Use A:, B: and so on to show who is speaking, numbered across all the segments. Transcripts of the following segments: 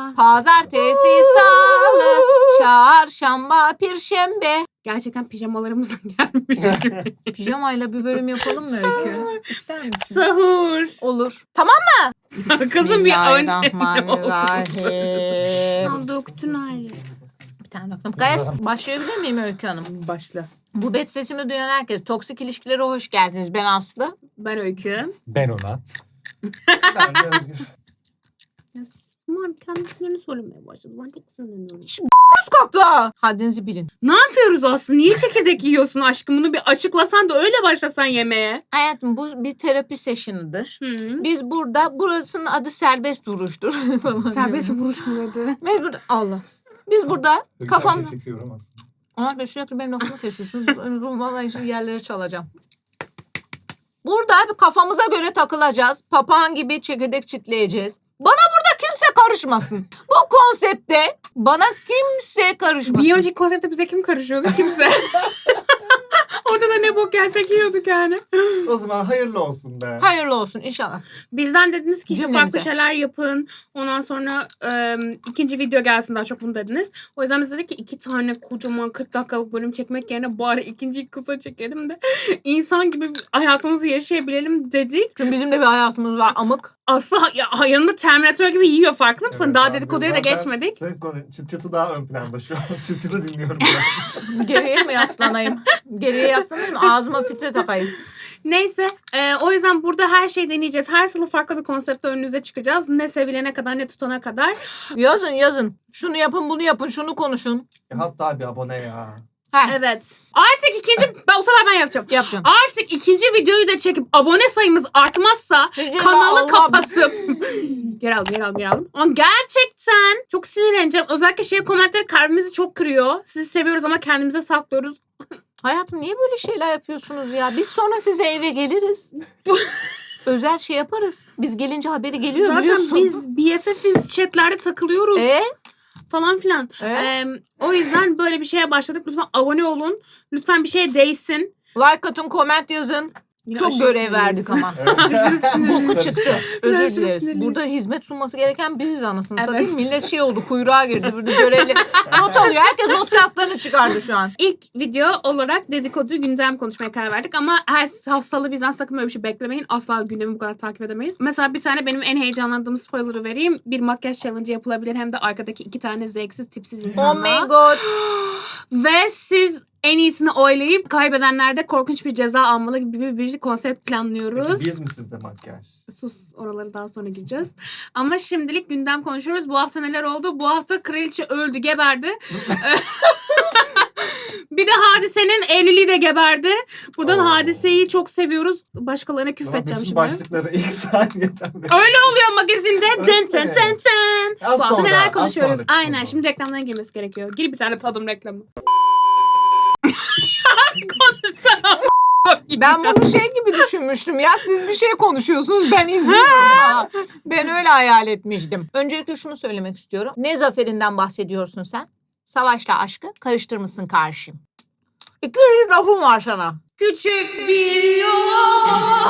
A: Pazartesi, salı, çarşamba, perşembe.
B: Gerçekten pijamalarımıza gelmiş.
A: Pijamayla bir bölüm yapalım mı Öykü? İster misin?
B: Sahur.
A: Olur. Tamam.
B: Kızım bir önce
A: Bismillahirrahmanirrahim.
B: döktün ayrı.
A: Bir tane bakalım. Gayet başlayabilir miyim Öykü Hanım?
B: Başla.
A: Bu bet sesimi duyan herkes. Toksik ilişkilere hoş geldiniz. Ben Aslı.
B: Ben Öykü.
C: Ben Onat.
D: Ben de Özgür.
B: Ya siz bunlar kendi isimlerini söylemeye başladı. Ben tek isimlerini öğrendim.
A: Nasıl kalktı? Haddinizi bilin.
B: Ne yapıyoruz Aslı? Niye çekirdek yiyorsun aşkım? Bunu bir açıklasan da öyle başlasan yemeğe.
A: Hayatım bu bir terapi sessionudur.
B: Hı.
A: Biz burada, burasının adı serbest vuruştur.
B: Serbest vuruş mu dedi?
A: Biz burada, Allah. Biz burada kafam...
C: Seksi yoramazsın.
A: Onlar da sürekli benim lafımı kesiyorsunuz. Vallahi şimdi yerlere çalacağım. Burada bir kafamıza göre takılacağız. Papağan gibi çekirdek çitleyeceğiz. Bana burada kimse karışmasın. Bu konsepte bana kimse karışmasın.
B: Bir önceki konsepte bize kim karışıyordu? Kimse. Orada da ne bok yersek yiyorduk yani.
D: O zaman hayırlı olsun be.
A: Hayırlı olsun inşallah.
B: Bizden dediniz ki işte
A: Cümlemize.
B: farklı şeyler yapın. Ondan sonra ikinci video gelsin, daha çok bunu dediniz. O yüzden biz dedik ki 2 tane kocaman 40 dakikalık bölüm çekmek yerine bari ikinciyi kısa çekelim de insan gibi hayatımızı yaşayabilelim dedik.
A: Çünkü bizim de bir hayatımız var amık.
B: Aslı yanında Terminator gibi yiyor, farkında mısın?
D: Evet
B: Daha
D: abi,
B: dedikoduya da
D: zaten
B: geçmedik.
D: Senin konu çıt çıtı daha ön planda şu an. Çıt çıtı dinliyorum ben.
A: Geriye mi yaslanayım? Geriye yaslanayım ağzıma fitre takayım.
B: Neyse o yüzden burada her şeyi deneyeceğiz. Her salı farklı bir konseptle önünüze çıkacağız. Ne sevilene kadar ne tutana kadar.
A: Yazın. Şunu yapın bunu yapın şunu konuşun.
D: Hatta bir abone ya.
A: Heh,
B: Evet. Artık bu sefer ben yapacağım.
A: yapacağım.
B: Artık ikinci videoyu da çekip abone sayımız artmazsa kanalı
A: Allah.
B: kapatıp geri aldım. Ama gerçekten çok sinirleneceğim. Özellikle komentleri kalbimizi çok kırıyor. Sizi seviyoruz ama kendimize saklıyoruz.
A: Hayatım niye böyle şeyler yapıyorsunuz ya? Biz sonra size eve geliriz. Özel şey yaparız. Biz gelince haberi geliyor
B: Zaten
A: biliyorsun.
B: biz BFF'iz, chatlerde takılıyoruz falan filan. O yüzden böyle bir şeye başladık. Lütfen abone olun. Lütfen bir şeye değsin.
A: Like atın, comment yazın.
B: Yine
A: Çok
B: aşırı
A: görev
B: sinirliyiz.
A: verdik ama.
D: Evet.
A: Boku çıktı. Özür
B: Aşırı
A: dileriz.
B: sinirliyiz.
A: Burada hizmet sunması gereken biziz anasını
B: Evet.
A: satayım. Millet şey oldu kuyruğa girdi. Burada görevli not alıyor. Herkes not kağıtlarını çıkardı şu an.
B: İlk video olarak dedikodu gündem konuşmaya karar verdik ama her haftalı bizden sakın böyle bir şey beklemeyin. Asla gündemi bu kadar takip edemeyiz. Mesela bir tane benim en heyecanlandığım spoiler'ı vereyim. Bir makyaj challenge yapılabilir hem de arkadaki 2 tane zevksiz tipsiz
A: Oh
B: insanla.
A: my god.
B: Ve siz en iyisini oylayıp kaybedenler de korkunç bir ceza almalı gibi bir konsept planlıyoruz.
D: Peki biz mi sizde makyaj?
B: Sus, oraları daha sonra gireceğiz. Ama şimdilik gündem konuşuyoruz. Bu hafta neler oldu? Bu hafta kraliçe öldü, geberdi. Bir de Hadise'nin evliliği de geberdi. Buradan
D: Oo.
B: Hadise'yi çok seviyoruz. Başkalarına küfredeceğim
D: Bütün
B: şimdi.
D: başlıkları ilk saniyeden beri.
B: Öyle oluyor magazinde. Tın tın tın tın.
D: Az
B: Bu hafta
D: sonra,
B: neler
D: az
B: konuşuyoruz?
D: sonra,
B: Aynen.
D: sonra.
B: Şimdi reklamlara girmesi gerekiyor. Gir bir tane tadım reklamı. Konuşsana.
A: Ben bunu şey gibi düşünmüştüm. Ya siz bir şey konuşuyorsunuz ben izliyorum. Ha, ben öyle hayal etmiştim. Öncelikle şunu söylemek istiyorum. Ne zaferinden bahsediyorsun sen? Savaşla aşkı karıştırmışsın karşım. 200 lafım var sana.
B: Küçük bir yol.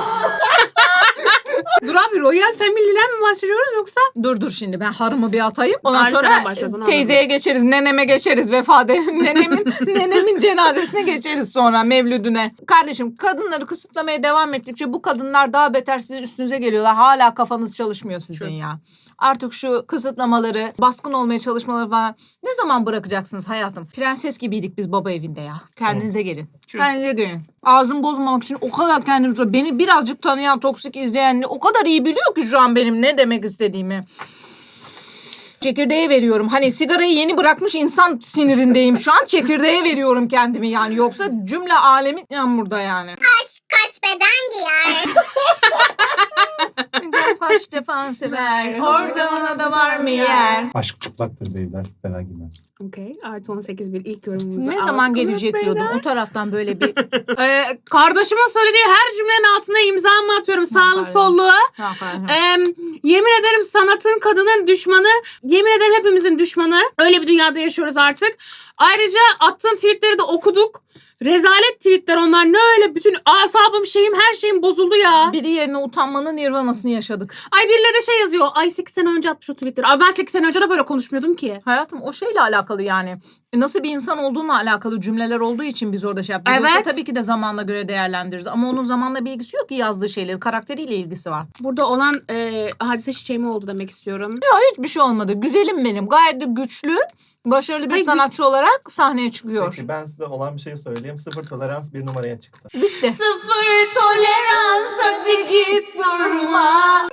B: Dur abi, Royal Family'den mi bahsediyoruz yoksa?
A: Dur şimdi ben harımı bir atayım. Ondan
B: Bari sen
A: sonra
B: başla, onu
A: teyzeye geçeriz, neneme geçeriz, nenemin cenazesine geçeriz sonra mevlüdüne. Kardeşim kadınları kısıtlamaya devam ettikçe bu kadınlar daha beter sizin üstünüze geliyorlar. Hala kafanız çalışmıyor sizin ya. Artık şu kısıtlamaları, baskın olmaya çalışmaları falan ne zaman bırakacaksınız hayatım? Prenses gibiydik biz baba evinde ya. Kendinize gelin. Kendinize gelin. Ağzımı bozmamak için o kadar kendimi... Beni birazcık tanıyan, toksik izleyen o kadar iyi biliyor ki şu an benim ne demek istediğimi. Çekirdeğe veriyorum. Hani sigarayı yeni bırakmış insan sinirindeyim şu an. Çekirdeğe veriyorum kendimi yani. Yoksa cümle alemin yan burada yani.
E: Aşk kaç beden giyer?
A: Kaç defa sever. Orada ona da var mı yer?
C: Aşk çıplaktır beyler. Fena giymez.
B: Okey. Artı 18 bir ilk yorumumuzu
A: Ne
B: aldık.
A: zaman gelecek
B: Beyler.
A: diyordum. O taraftan böyle bir...
B: Kardeşimin söylediği her cümlenin altına imzamı atıyorum. Sağlı
A: Aferin.
B: sollu.
A: Aferin.
B: Yemin ederim sanatın, kadının düşmanı. Yemin ederim hepimizin düşmanı. Öyle bir dünyada yaşıyoruz artık. Ayrıca attığın tweetleri de okuduk. Rezalet tweetler onlar. Ne öyle bütün asabım her şeyim bozuldu ya.
A: Biri yerine utanmanın nirvanasını yaşadık.
B: Ay birileri de şey yazıyor. Ay 8 sene önce atmış o tweetleri. Ay ben 8 sene önce de böyle konuşmuyordum ki.
A: Hayatım o şeyle alakalı yani. Nasıl bir insan olduğunla alakalı cümleler olduğu için biz orada şey yaptık.
B: Evet.
A: Yoksa tabii ki de zamanla göre değerlendiririz. Ama onun zamanla bir ilgisi yok ki yazdığı şeyleri. Karakteriyle ilgisi var.
B: Burada olan hadise çiçeğimi oldu demek istiyorum.
A: Hiçbir şey olmadı. Güzelim benim. Gayet de güçlü, başarılı bir
B: Ay,
A: sanatçı olarak sahneye çıkıyor.
D: Peki ben size olan bir şey söyleyeyim. Sıfır tolerans 1 numaraya çıktı.
A: Bitti.
B: Sıfır tolerans hadi git durma.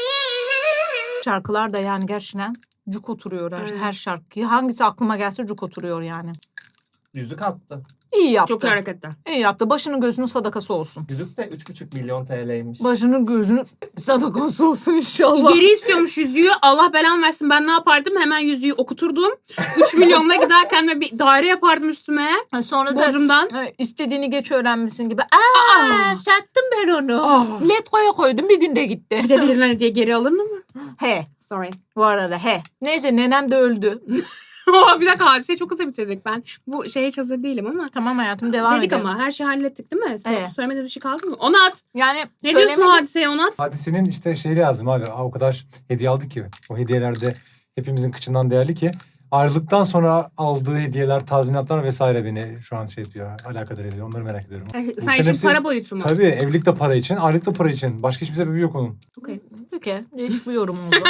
A: Şarkılar da yani gerçekten cuk oturuyor
B: Evet.
A: her şarkı. Hangisi aklıma gelse cuk oturuyor yani.
D: Yüzük attı.
A: İyi yaptı.
B: Çok iyi hareketler.
A: İyi yaptı. Başının gözünün sadakası olsun.
D: Yüzük de 3,5 milyon TL'ymiş.
A: Başının gözünün sadakası olsun inşallah.
B: Geri istiyormuş yüzüğü. Allah belamı versin. Ben ne yapardım? Hemen yüzüğü okuturdum. 3 milyonla gider kendime bir daire yapardım üstüme.
A: Sonra da
B: Borcumdan.
A: istediğini geç öğrenmişsin gibi. Aa, sattım ben onu.
B: Aa.
A: Letgo'ya koydum bir günde gitti.
B: Bir de verilen hediye geri alınır mı?
A: He.
B: Sorry.
A: Bu arada he. Neyse nenem de öldü.
B: Bir dakika hadiseyi çok hızlı bitirdik. Ben bu şeye hiç hazır değilim ama.
A: Tamam hayatım devam
B: Dedik
A: edelim.
B: ama her şeyi hallettik değil mi?
A: Evet.
B: Söylemediğim bir şey kaldı mı? Onat.
A: Yani
B: Ne diyorsun o
A: söylemedim.
B: hadiseye Onat?
C: Hadisenin işte şeyi lazım abi. O kadar hediye aldı ki. O hediyelerde hepimizin kıçından değerli ki. Ayrılıktan sonra aldığı hediyeler, tazminatlar vesaire beni şu an şey diyor, alakadar ediyor. Onları merak ediyorum. Bu
B: Sen
C: işlerin
B: işin
C: hepsi-
B: para boyutu mu?
C: Tabii evlilik de para için, ayrılık da para için. Başka hiçbir sebebi yok onun.
B: Okey.
A: Peki. Değişik bir yorum oldu.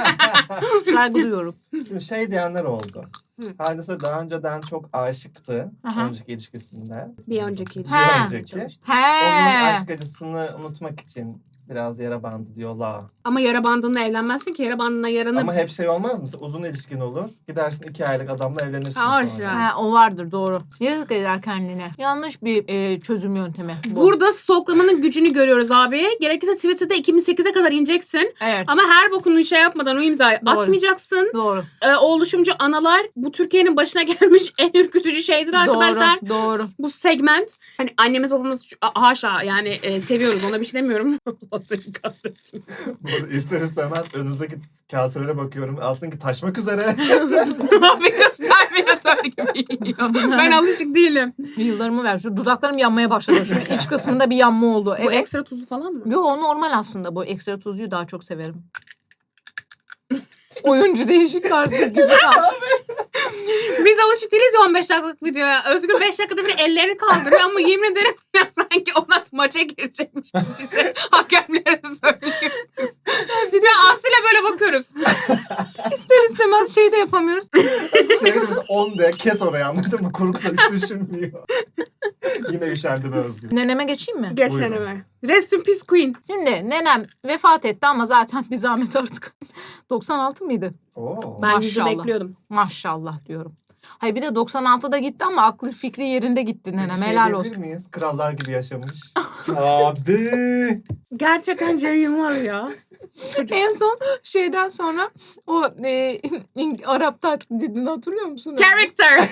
A: Saygı duyuyorum.
D: Şimdi şey diyenler oldu.
B: Hı.
D: Hadise daha önceden çok aşıktı.
A: Aha.
D: Önceki ilişkisinde.
B: Bir önceki ilişki.
A: Ha.
D: önceki. Onun
A: He.
D: aşk acısını unutmak için biraz yara bandı diyorlar.
B: Ama yara bandınla evlenmezsin ki. Yara bandına yaranı...
D: Ama hep şey olmaz mı? Uzun ilişkin olur. Gidersin 2 aylık adamla evlenirsin
B: Ha,
D: sonra.
B: ya.
A: Ha, o vardır doğru. Yazık eder kendine. Yanlış bir çözüm yöntemi. Bu.
B: Burada stoklamanın gücünü görüyoruz abi. Gerekirse Twitter'da 2008'e kadar ineceksin.
A: Evet.
B: Ama her bokunu şey yapmadan o imzayı
A: Doğru.
B: atmayacaksın.
A: Doğru.
B: O oluşumcu analar bu Türkiye'nin başına gelmiş en ürkütücü şeydir arkadaşlar.
A: Doğru. Doğru.
B: Bu segment. Hani annemiz babamız haşa yani seviyoruz ona bir şey demiyorum. Allah seni kahretsin.
D: Burada ister istemez önümüzdeki kaselere bakıyorum. Aslında taşmak üzere.
B: Abi kız terminatör gibi yiyor. Ben alışık değilim.
A: Yıllarımı ver. Şu dudaklarım yanmaya başladı. Şu iç kısmında bir yanma oldu.
B: Bu
A: Evet.
B: ekstra tuzlu falan mı?
A: Yo o normal aslında. Bu ekstra tuzluyu daha çok severim. Oyuncu değişik artık gibi.
B: Biz alışık değiliz ya 15 dakikalık videoya. Özgür 5 dakikada bir ellerini kaldırıyor ama yemin ederim ya sanki Onat maça girecekmiş gibi bize hakemlere söylüyor. Bir de Aslı'yla böyle bakıyoruz.
A: İster istemez şey de yapamıyoruz.
D: Şey de mesela 10 de kes orayı anladın mı? Kurguda hiç düşünmüyor. Yine üşerdi be Özgür.
A: Neneme geçeyim mi?
B: Geç
D: Buyurun.
B: deneme. Rest in peace queen.
A: Şimdi nenem vefat etti ama zaten bir zahmet artık. 96 mıydı?
D: Oo.
B: Ben yüzü
A: Maşallah.
B: bekliyordum.
A: Maşallah diyorum. Hayır bir de 96'da gitti ama aklı fikri yerinde gitti nenem.
D: Peki şey
A: Helal
D: diyebilir
A: olsun.
D: miyiz? Krallar gibi yaşamış.
C: Abi.
B: Gerçekten Cem var ya.
A: En son şeyden sonra o Arap taklidini hatırlıyor musun?
B: Character.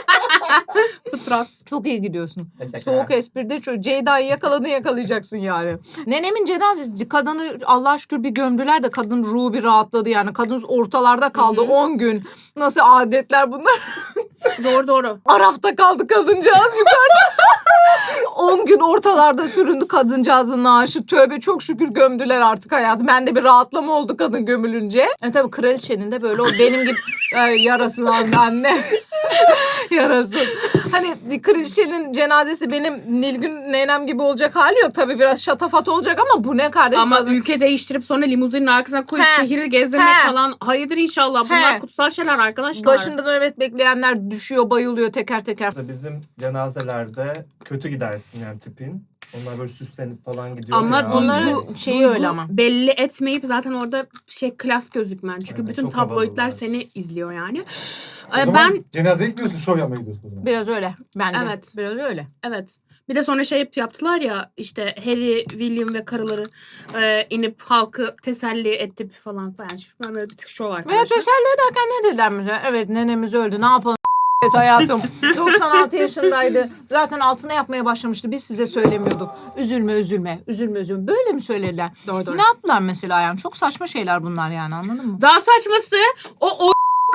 B: Fıtrat.
A: Çok iyi gidiyorsun.
D: Teşekkürler.
A: Soğuk espride Ceyda'yı yakaladın yakalayacaksın yani. Nenemin cenazesi kadını Allah'a şükür bir gömdüler de kadın ruhu bir rahatladı yani. Kadın ortalarda kaldı
B: Hı hı.
A: 10 gün. Nasıl adetler bunlar?
B: Doğru.
A: Arafta kaldı kadıncağız yukarıda. 10 gün ortalarda süründü kadıncağızın naaşı. Tövbe çok şükür gömdüler artık hayatı. Bende bir rahatlama oldu kadın gömülünce. Tabii kraliçenin de böyle o benim gibi yarasın anne. Yarasın. Hani kraliçenin cenazesi benim Nilgün nenem gibi olacak hali yok. Tabii biraz şatafat olacak ama bu ne kardeşim?
B: Ama ülke değiştirip sonra limuzinin arkasına koyup
A: He.
B: şehri gezdirmek
A: He.
B: falan. Hayırdır inşallah. Bunlar
A: He.
B: kutsal şeyler arkadaşlar.
A: Başında nöbet bekleyenler düşüyor, bayılıyor teker teker.
D: Bizim cenazelerde kötü gidersin yani tipin. Onlar böyle süslenip falan gidiyor
B: Ama
D: ya.
A: Onların şeyi öyle ama.
B: belli etmeyip zaten orada klas gözükmen. Çünkü
D: Evet,
B: bütün
D: çok
B: tabloidler
D: havalılar.
B: seni izliyor yani.
C: O zaman
B: Ben
C: cenazeye gitmiyorsun, şov yapmaya gidiyorsun o zaman.
A: Biraz öyle bence.
B: Evet.
A: Biraz öyle.
B: evet. Bir de sonra şey yaptılar ya işte Harry, William ve karıları inip halkı teselli etti falan falan. Ben böyle bir tık şov
A: Veya
B: arkadaşlar.
A: teselli ederken ne dediler mesela? Evet nenemiz öldü ne yapalım evet hayatım. 96 yaşındaydı. Zaten altına yapmaya başlamıştı. Biz size söylemiyorduk. Üzülme üzülme. Üzülme üzülme. Böyle mi söylediler?
B: Doğru.
A: Ne yaptılar mesela yani? Çok saçma şeyler bunlar yani anladın mı?
B: Daha saçması o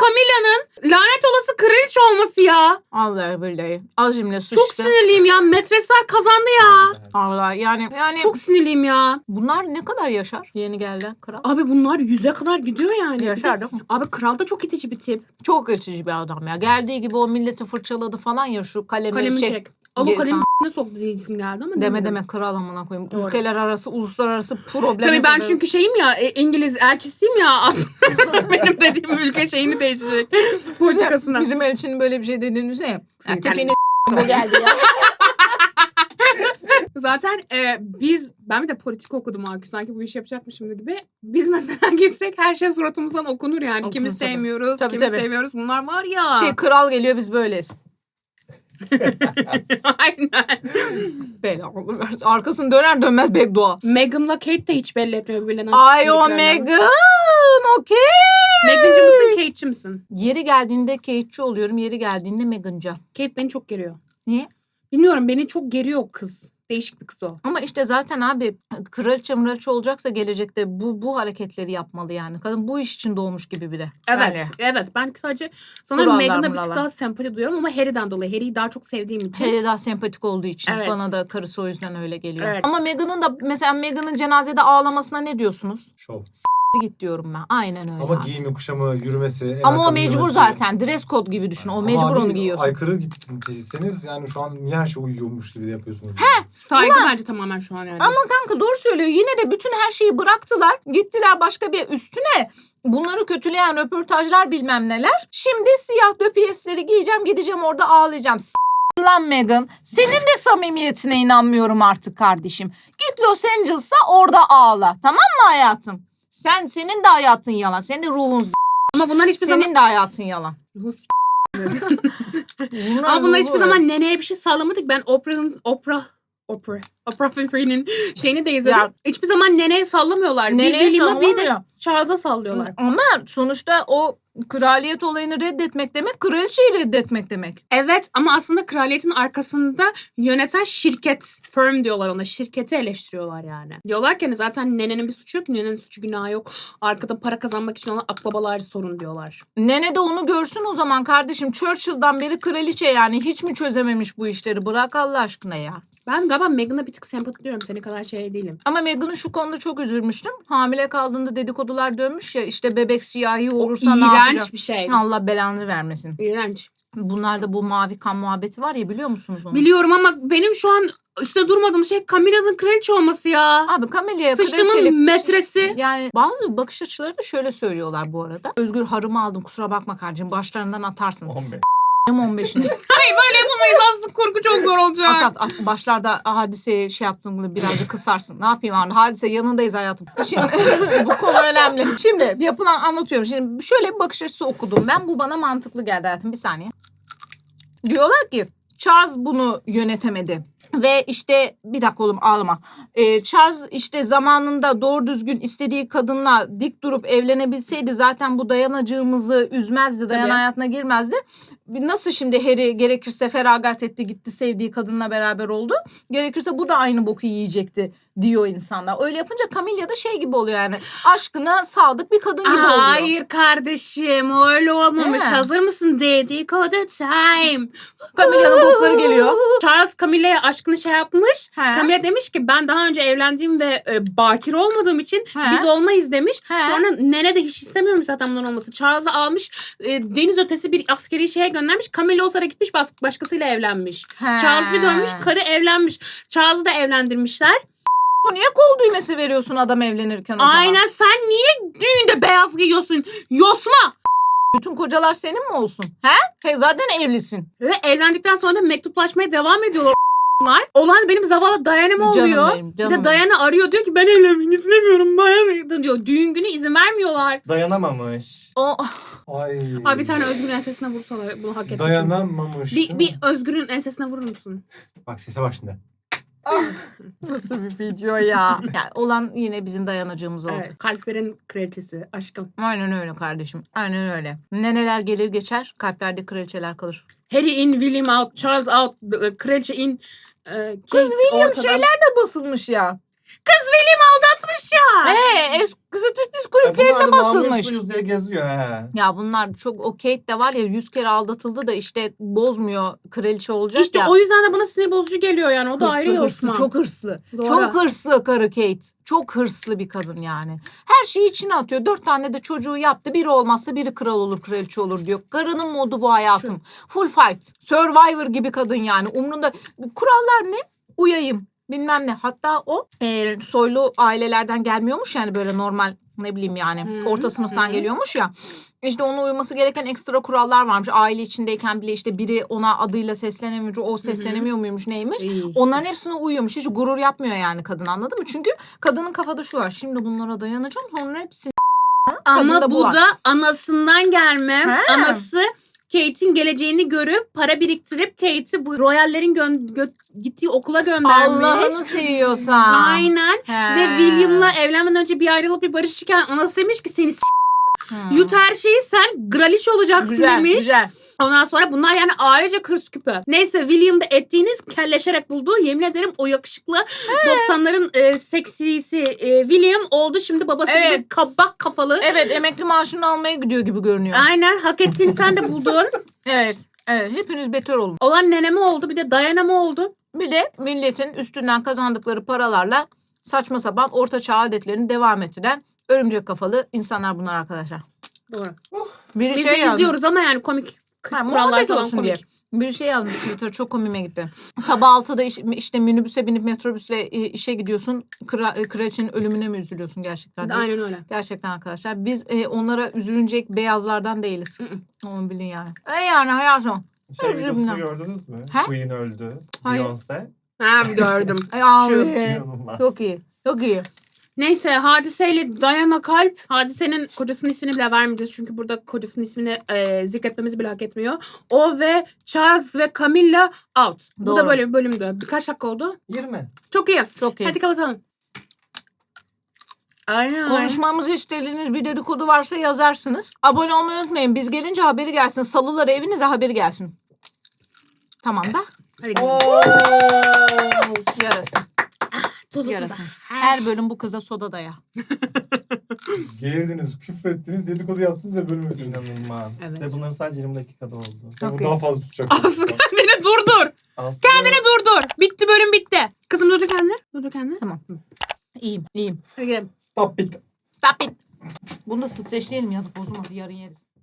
B: Camilla'nın lanet olası kraliçe olması ya.
A: Allah billahi. Az cimle suçtu.
B: Çok sinirliyim ya. Metresler kazandı ya.
A: Allah yani
B: Çok sinirliyim ya.
A: bunlar ne kadar yaşar? Yeni gelen kral.
B: Abi bunlar 100'e kadar gidiyor yani.
A: Yaşar değil mi?
B: Abi kral da çok itici bir tip.
A: Çok geçici bir adam ya. Geldiği gibi o milleti fırçaladı falan ya şu kalemleri
B: Kalemi
A: çek.
B: çek. Al o
A: Geri
B: kalemi
A: falan.
B: ne soktu diye isim geldi ama.
A: Deme
B: demedim.
A: deme kral amına koyayım.
B: Doğru.
A: Ülkeler arası, uluslararası problem.
B: Tabii ben çünkü şeyim ya İngiliz elçisiyim ya aslında benim dediğim ülke şeyini değişecek. Politikasına.
A: Bizim elçinin böyle bir şey dediğini ya.
B: Senin
A: Tepeni bu geldi ya.
B: Zaten ben bir de politik okudum abi. Sanki bu işi yapacakmışım gibi. Biz mesela gitsek her şey suratımızdan okunur yani.
A: Okunur
B: Kimi
A: tabii.
B: sevmiyoruz,
A: Tabii,
B: kimi
A: tabii.
B: seviyoruz. Bunlar var ya.
A: Kral geliyor biz böyleyiz.
B: Aynen.
A: Bela versin. Arkasını döner dönmez beddua.
B: Meghan'la Kate de hiç belli etmiyor birbirlerine.
A: Ay o
B: sevdiklerini.
A: Meghan. Okey.
B: Meghan'cı mısın, Kate'ci misin?
A: Yeri geldiğinde Kate'ci oluyorum. Yeri geldiğinde Meghan'cı.
B: Kate beni çok geriyor.
A: Niye?
B: Bilmiyorum beni çok geriyor o kız. Değişik bir kız o.
A: Ama işte zaten abi kraliçe olacaksa gelecekte bu hareketleri yapmalı yani. Kadın bu iş için doğmuş gibi biri.
B: Evet,
A: Öyle.
B: evet. Ben sadece sanırım
A: Kurallar,
B: Meghan'a bir tık
A: murallar.
B: daha sempati duyuyorum ama Harry'den dolayı. Harry'i daha çok sevdiğim için.
A: Harry daha sempatik olduğu için.
B: Evet.
A: Bana da karısı o yüzden öyle geliyor.
B: Evet.
A: Ama Meghan'ın da mesela Meghan'ın cenazede ağlamasına ne diyorsunuz?
C: Şov.
A: Git diyorum ben. Aynen öyle.
C: Ama
A: abi.
C: giyimi, kuşamı, yürümesi. el
A: Ama o
C: ayakkabı
A: mecbur
C: giymesi.
A: zaten. Dress code gibi düşün. O
C: Ama
A: mecbur
C: abi,
A: onu giyiyorsun.
C: Aykırı gitseniz yani şu an niye her şey uyuyormuş gibi de yapıyorsunuz?
B: Saygı bence tamamen şu an yani.
A: Ama kanka doğru söylüyor. Yine de bütün her şeyi bıraktılar. Gittiler başka bir üstüne. Bunları kötüleyen röportajlar bilmem neler. Şimdi siyah döpiyesleri giyeceğim. Gideceğim orada ağlayacağım. Lan Meghan. Senin de samimiyetine inanmıyorum artık kardeşim. Git Los Angeles'a orada ağla. Tamam mı hayatım? Senin de hayatın yalan. Senin de ruhun
B: Ama bunlar hiçbir zaman...
A: senin de hayatın yalan.
B: Ama bunlar hiçbir zaman neneye bir şey sağlamadık. Ben Oprah Winfrey'nin şeyini de izledim.
A: Ya-
B: Hiçbir zaman neneye sallamıyorlar. Bir
A: Neneye
B: William'a bir de
A: sallamıyor.
B: Charles'a sallıyorlar.
A: Ama sonuçta o kraliyet olayını reddetmek demek, kraliçeyi reddetmek demek.
B: Evet ama aslında kraliyetin arkasında yöneten şirket, firm diyorlar ona. Şirketi eleştiriyorlar yani. Diyorlar ki hani zaten nenenin bir suçu yok. Nenenin suçu günahı yok. Arkada para kazanmak için olan akbabalar sorun diyorlar.
A: Nene de onu görsün o zaman kardeşim. Churchill'dan beri kraliçe yani. Hiç mi çözememiş bu işleri? Bırak Allah aşkına ya.
B: Ben galiba Meghan'a bir tık sempati duyuyorum. Senin kadar şey değilim.
A: Ama Meghan'ın şu konuda çok üzülmüştüm. Hamile kaldığında dedikodular dönmüş ya. İşte bebek siyahi olursa ne yapacak?
B: İğrenç bir şey.
A: Allah belanı vermesin.
B: İğrenç.
A: Bunlarda bu mavi kan muhabbeti var ya, biliyor musunuz onu?
B: Biliyorum ama benim şu an üstüne durmadığım şey Camilla'nın kraliçe olması ya.
A: Abi Camilla'ya
B: Sıçtımın metresi.
A: Yani bazı bakış açıları da şöyle söylüyorlar bu arada. Özgür harımı aldım, kusura bakma kardeşim, başlarından atarsın.
D: 15.
A: 15'ini.
B: Hayır böyle yapamayız aslında, kurgu çok zor olacak.
A: At. Başlarda Hadise'ye şey yaptığımda birazcık kısarsın. Ne yapayım abi? Hadise yanındayız hayatım. Şimdi bu konu önemli. Şimdi yapılan anlatıyorum. Şimdi şöyle bir bakış açısı okudum. Ben bu bana mantıklı geldi hayatım. Bir saniye. Diyorlar ki Charles bunu yönetemedi. Ve işte bir dakika oğlum ağlama. Charles işte zamanında doğru düzgün istediği kadınla dik durup evlenebilseydi zaten bu dayanacığımızı üzmezdi. Dayan
B: Tabii.
A: hayatına girmezdi. Nasıl şimdi Harry gerekirse feragat etti, gitti sevdiği kadınla beraber oldu. Gerekirse bu da aynı boku yiyecekti diyor insanlar. Öyle yapınca Camilla da şey gibi oluyor yani. Aşkına sadık bir kadın gibi oluyor.
B: Hayır kardeşim öyle olmamış.
A: He.
B: Hazır mısın? Dedikodu time.
A: Camilla'nın bokları geliyor.
B: Charles Camilla'ya aşkını şey yapmış.
A: He.
B: Camilla demiş ki ben daha önce evlendiğim ve bakir olmadığım için
A: He.
B: biz olmayız demiş.
A: He.
B: Sonra nene de hiç istemiyormuş zaten bunların olması. Charles'ı almış deniz ötesi bir askeri şeye göndermiş. Camilla o sırada gitmiş başkasıyla evlenmiş.
A: He.
B: Charles bir dönmüş, karı evlenmiş. Charles'ı da evlendirmişler.
A: Niye kol düğmesi veriyorsun adam evlenirken o zaman?
B: Aynen, sen niye düğünde beyaz giyiyorsun? Yosma!
A: Bütün kocalar senin mi olsun? He zaten evlisin.
B: Ve evlendikten sonra da mektuplaşmaya devam ediyorlar. Olan benim zavallı Diana'm oluyor.
A: Benim,
B: Bir de Diana arıyor, diyor ki ben evlenmek istemiyorum. Bayağı diyor. Düğün günü izin vermiyorlar.
D: Dayanamamış.
A: O
C: Ay.
B: Abi bir tane Özgür'ün ensesine vursalar bunu hak etti çünkü.
C: Dayanamamış.
B: Bir Özgür'ün ensesine vurur musun?
C: Bak sese bak şimdi.
A: nasıl bir video ya? Yani olan yine bizim dayanacağımız oldu.
B: Evet. Kalplerin kraliçesi. Aşkım.
A: Aynen öyle kardeşim. Aynen öyle. Neneler gelir geçer, kalplerde kraliçeler kalır.
B: Harry in, William out, Charles out, kraliçe in, Kate
A: Kız William
B: ortada.
A: şeyler de basılmış ya.
B: Kız William aldatmış ya.
A: Kızı Türk Diz
D: Bunlar
A: kulüplerinde
D: da
A: basılmış.
D: namusluyuz diye geziyor he.
A: Ya bunlar çok, o Kate de var ya 100 kere aldatıldı da işte bozmuyor, kraliçe olacak
B: İşte
A: ya.
B: o yüzden de bana sinir bozucu geliyor yani. O da ayrı
A: Hırslı,
B: Osman.
A: çok hırslı.
B: Doğru.
A: Çok hırslı karı Kate. Çok hırslı bir kadın yani. Her şeyi içine atıyor. 4 tane de çocuğu yaptı. Biri olmazsa biri kral olur, kraliçe olur diyor. Karının modu bu hayatım. Full fight. Survivor gibi kadın yani. Umrunda. Kurallar ne? Uyayım. Bilmem ne. Hatta o soylu ailelerden gelmiyormuş yani böyle normal ne bileyim yani orta sınıftan geliyormuş ya. İşte onun uyması gereken ekstra kurallar varmış. Aile içindeyken bile işte biri ona adıyla seslenemiyor, o seslenemiyor muymuş neymiş.
B: İyi.
A: Onların hepsine uyuyormuş. Hiç gurur yapmıyor yani kadın, anladın mı? Çünkü kadının kafada şu var. Şimdi bunlara dayanacağım, sonra hepsini
B: Ama
A: kadında bu
B: bu
A: var.
B: da anasından gelme.
A: He.
B: Anası Kate'in geleceğini görüp para biriktirip Kate'i bu royallerin gittiği okula göndermiş.
A: Allah'ını seviyorsan.
B: Aynen.
A: He.
B: Ve William'la evlenmeden önce bir ayrılıp bir barışırken anası demiş ki seni yut her şeyi, sen graliş olacaksın
A: Güzel,
B: demiş.
A: güzel.
B: Ondan sonra bunlar yani ailece kırs küpü. Neyse William da ettiğiniz kelleşerek buldu. Yemin ederim o yakışıklı 90'ların seksisi William oldu şimdi babası
A: Evet.
B: gibi kabak kafalı.
A: Evet, emekli maaşını almaya gidiyor gibi görünüyor.
B: Aynen, hak ettiğini sen de buldun.
A: Evet. Evet, hepiniz beter olun.
B: Olan neneme oldu, bir de Diana'ma oldu.
A: Bir de milletin üstünden kazandıkları paralarla saçma sapan orta çağ adetlerini devam ettiren örümcek kafalı insanlar bunlar arkadaşlar.
B: Doğru.
A: Biri
B: Biz
A: şey
B: de
A: yazmış.
B: izliyoruz ama yani komik.
A: Ha,
B: Kurallar
A: muhabbet
B: falan
A: olsun
B: komik.
A: diye. Bir şey yazmış Twitter, çok komiğime gitti. Sabah 6'da işte minibüse binip metrobüsle işe gidiyorsun. Kraliçenin ölümüne mi üzülüyorsun gerçekten? diye.
B: Aynen öyle.
A: Gerçekten arkadaşlar. Biz onlara üzülünecek beyazlardan değiliz.
B: Hı
A: Onu bilin yani. Yani hayatım.
D: Şey
A: Özür
D: videosunu
A: dilerim.
D: gördünüz mü?
A: Ha?
D: Queen öldü.
A: Hayır.
D: Beyoncé.
B: Ha, gördüm.
A: Ay abi.
D: İnanılmaz.
A: Çok iyi. Çok iyi.
B: Neyse Hadise'yle Diana Kalp. Hadise'nin kocasının ismini bile vermeyeceğiz. Çünkü burada kocasının ismini zikretmemizi bile hak etmiyor. O ve Charles ve Camilla out. Bu
A: Doğru.
B: da böyle bir bölümdü. Birkaç dakika oldu.
D: 20.
B: Çok iyi.
A: Çok iyi.
B: Hadi kapatalım. Aynen.
A: Konuşmamızı istediğiniz bir dedikodu varsa yazarsınız. Abone olmayı unutmayın. Biz gelince haberi gelsin. Salıları evinize haberi gelsin. Tamam da.
B: Hadi gidelim.
D: Oo!
A: Yarasın.
B: Tuz
A: Yarasın. Her bölüm bu kıza soda daya.
C: Geğirdiniz, küfrettiniz, dedikodu yaptınız ve bölüm bitirdiniz.
D: İnanılmaz.
B: Evet.
D: Ve bunların sadece 20 dakikada oldu.
C: Sen
A: Çok
C: bu
A: iyi.
C: daha fazla tutacak.
B: Aslı kendini durdur.
D: Aslında
B: Kendini durdur. Bitti, bölüm bitti. Kızım durdur kendini. Durdur kendini.
A: Tamam. İyiyim.
B: Hadi gidelim.
D: Stop it.
A: Stop it. Bunu da streçleyelim, yazık bozulmasın, yarın yeriz.